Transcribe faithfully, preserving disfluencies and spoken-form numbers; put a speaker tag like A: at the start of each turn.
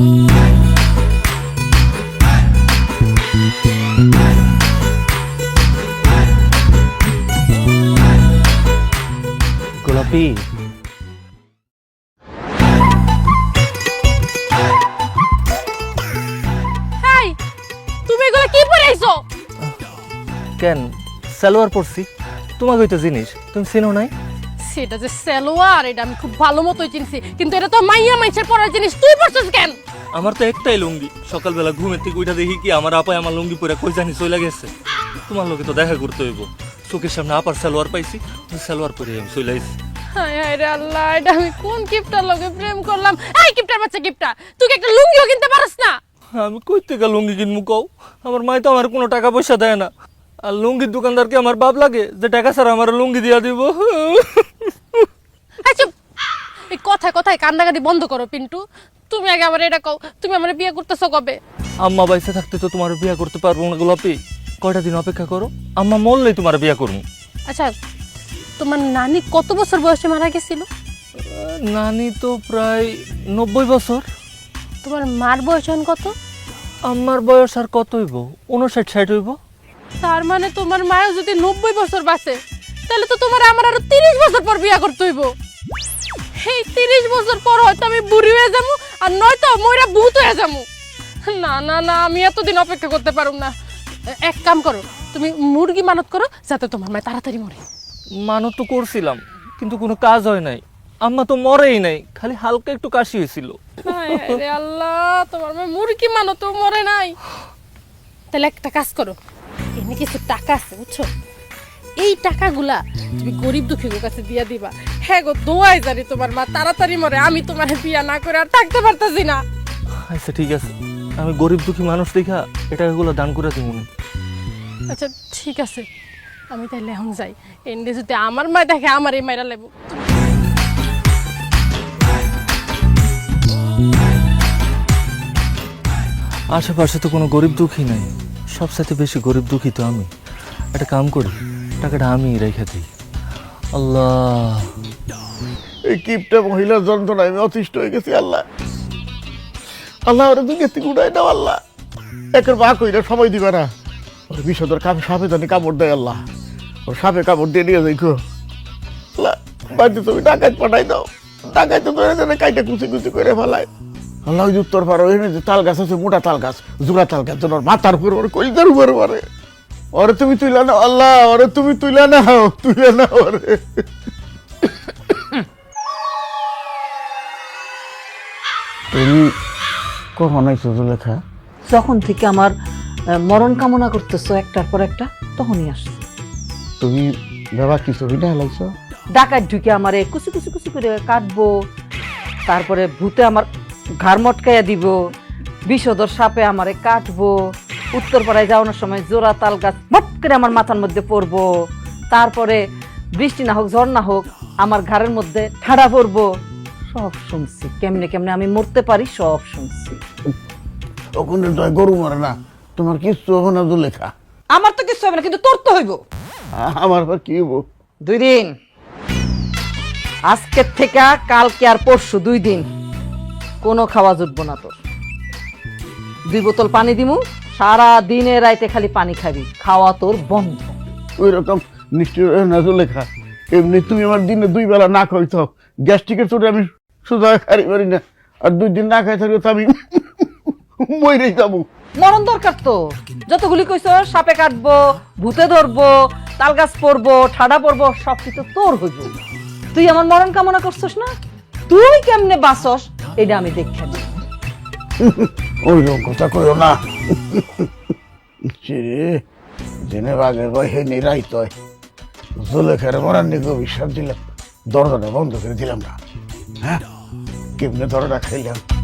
A: গোলাপি
B: হাই, তুমি এগুলো কি পরে আইছো?
A: কেন সালোয়ার পরছি, তোমাকে তো জিনিস তুমি চিনো নাই?
B: সেটা যে সালোয়ার, এটা আমি খুব ভালো মতোই চিনছি, কিন্তু এটা তো মাইয়া মাইছের পরার জিনিস, তুই পরছিস কেন?
A: আমার তো একটাই লুঙ্গি, সকালবেলা ঘুমের থেকে উঠা দেখি কি আমার আপায় আমার লুঙ্গি পরে কই জানি চলে গেছে। তোমার লোকে তো দেখা করতে হইব, চোখের সামনে আপার সালোয়ার পাইছি, ওই সালোয়ার পরে আমি চলে আইছি।
B: হায় হায় রে আল্লাহ, এটা আমি কোন কিপটার লগে প্রেম করলাম? এই কিপটার বাচ্চা কিপটা, তুই কি একটা লুঙ্গিও কিনতে পারস না?
A: আমি কই থেকে লুঙ্গি কিনবো কও? আমার মাই তো আমার কোনো টাকা পয়সা দেয় না, আর লুঙ্গির দোকানদারকে আমার বাপ লাগে যে টাকা ছাড়া আমার লুঙ্গি দিয়া দিব।
B: আচ্ছা, এই কথায় কথায় কান্নাকাটি বন্ধ করো পিন্টু। তুমি আগে আমার এটা কও, তুমি আমার বিয়ে করতেছো কবে?
A: আম্মা বাইসে থাকতে তো তোমার বিয়া করতে পারবো না গোলাপি, কয়টা দিন অপেক্ষা করো, আম্মা মরলেই তোমার বিয়া করবো।
B: আচ্ছা, তোমার নানি কত বছর বয়সে মারা গেছিল?
A: নানি তো প্রায় নব্বই বছর।
B: তোমার মার বয়স এখন কত?
A: আমার বয়স আর কত হইব, উনষাট ষাট হইব।
B: তার মানে তোমার মায়ও যদি নব্বই বছর বাঁচে, তাহলে তো তোমার আমার আরো তিরিশ বছর পর বিয়া করতে হইব। এই তিরিশ বছর পর হয়তো আমি বুড়ি হয়ে যাবো, আর নয়তো ময়রা ভূত হয়ে যাবো। না না না, আমি এতদিন অপেক্ষা করতে পারুম না। এক কাম করো, তুমি মুরগি মানত করো যাতে তোমার মায় তাড়াতাড়ি মরে।
A: মানত তো করছিলাম, কিন্তু কোনো কাজ হয় নাই। আম্মা তো মরেই নাই, খালি হালকা একটু কাশি হয়েছিল।
B: হায় হায় রে আল্লাহ, তোমার মায় মুরগি মানত মরে নাই। তাহলে একটা কাজ করো, এমনি কিছু টাকা আছে বুঝছো, এই টাকাগুলা তুমি গরিব দুঃখীর কাছে দিয়া দিবা। হ্যাঁ গো, দোয়াই জানি তোমার মা তাড়াতাড়ি মরে, আমি তোমার বিয়া না করে আর থাকতে পারতাছি না।
A: আচ্ছা ঠিক আছে, আমি গরিব দুঃখী মানুষ দেখা এই টাকাগুলো দান করে দিব না।
B: আচ্ছা ঠিক আছে, আমি তাহলে এখন যাই। এন্ডে যদি আমার মা দেখে আমার এই মাইরা লেবো।
A: আশেপাশে তো কোনো গরিব দুঃখী নাই, সবসাথে বেশি গরিব দুঃখী তো আমি। একটা কাম করি, টাকাটা আমি রেখে দিই। আল্লাহ,
C: এই কিপটা মহিলার যন্ত্রণায় আমি অতিষ্ঠ হয়ে গেছি। আল্লাহ আল্লাহ, ওরা দুই গেছি উড়াই দাও আল্লাহ, একের বা কইরা সময় দিবে না। ওর বিষধর কাপে সাপে জানি কামড় দেয় আল্লাহ, ওর সাপে কামড় দিয়ে নিয়ে যাই গো আল্লাহ। বাড়িতে তুমি ডাকাত পাঠাই দাও, ডাকাই তো ধরে জানে কাইটা কুচি কুচি করে ফেলায় আল্লাহ। ওই উত্তর পাড়া ওই যে তাল গাছ আছে, মোটা তাল গাছ, জোড়া তাল গাছ, ওর মাথার উপর ওর কলিজার উপর মারে। ওরে তুমি তুইলা নাও আল্লাহ, ওরে তুমি তুইলা নাও, তুইলা নাও ওরে। তুমি কখন আইছো জুলেখা?
D: যখন থেকে আমার আহ, মরণ কামনা করতেছো একটার পর একটা, তখনই আসছে।
C: তুমি বাবা কি ছবি না লাগছো?
D: ডাকাত ঢুকে আমারে কুচি কুচি কুচি করে কাটবো, তারপরে ভূতে আমার ঘাড় মটকাইয়া দিব, বিষধর সাপে আমারে কাটবো, উত্তরপাড়ায় যাওয়ানোর সময় জোড়া তাল গাছ মট করে আমার মাথার মধ্যে পড়বো, তারপরে বৃষ্টি না হোক ঝড় না হোক আমার ঘাড়ের মধ্যে ঠাড়া পড়বো। সব শুনছি, কেমনে কেমনে আমি মরতে পারি সব শুনছি।
C: ওখানে তো গরু মরে না, তোমার কিচ্ছু হবে না জুলেখা।
D: আমার তো কিছু হবে না, কিন্তু তোর তো হইব।
C: আমার আবার কি হবো?
D: দুই দিন, আজকের থেকে কালকে আর পরশু দুই দিন কোনো খাওয়া জুটবো না তোর। দুই বোতল পানি দিমু, সারা দিনে রাইতে খালি পানি খাবি, খাওয়া তোর বন্ধ।
C: ওই রকম নিশ্চয় না জুলেখা, এমনি তুমি আমার দিনে দুই বেলা না খাইতো, গ্যাস্ট্রিকের চোটে আমি সোজা খারি পারি না, আর দুই দিন না খাই থাকলে তো আমি মরেই যাবো।
D: মরণ দরকার তো, যতগুলি কইছ সাপে কাটবো, ভূতে ধরবো, তাল গাছ পরবো, ঠাডা পরবো, সব কিছু তোর হইব। তুই আমার মরণ কামনা করছস না, তুই কেমনে বাসস এটা আমি দেখে নি।
C: ওই রকম কথা কইও না রে, জেনে বাঘের ভয় হে নিরাই তয় জুলেখার মরার নিকে বিশ্বাস দিলাম, দরজাটা বন্ধ করে দিলাম না। হ্যাঁ, কেমনে দরজা খাইলাম।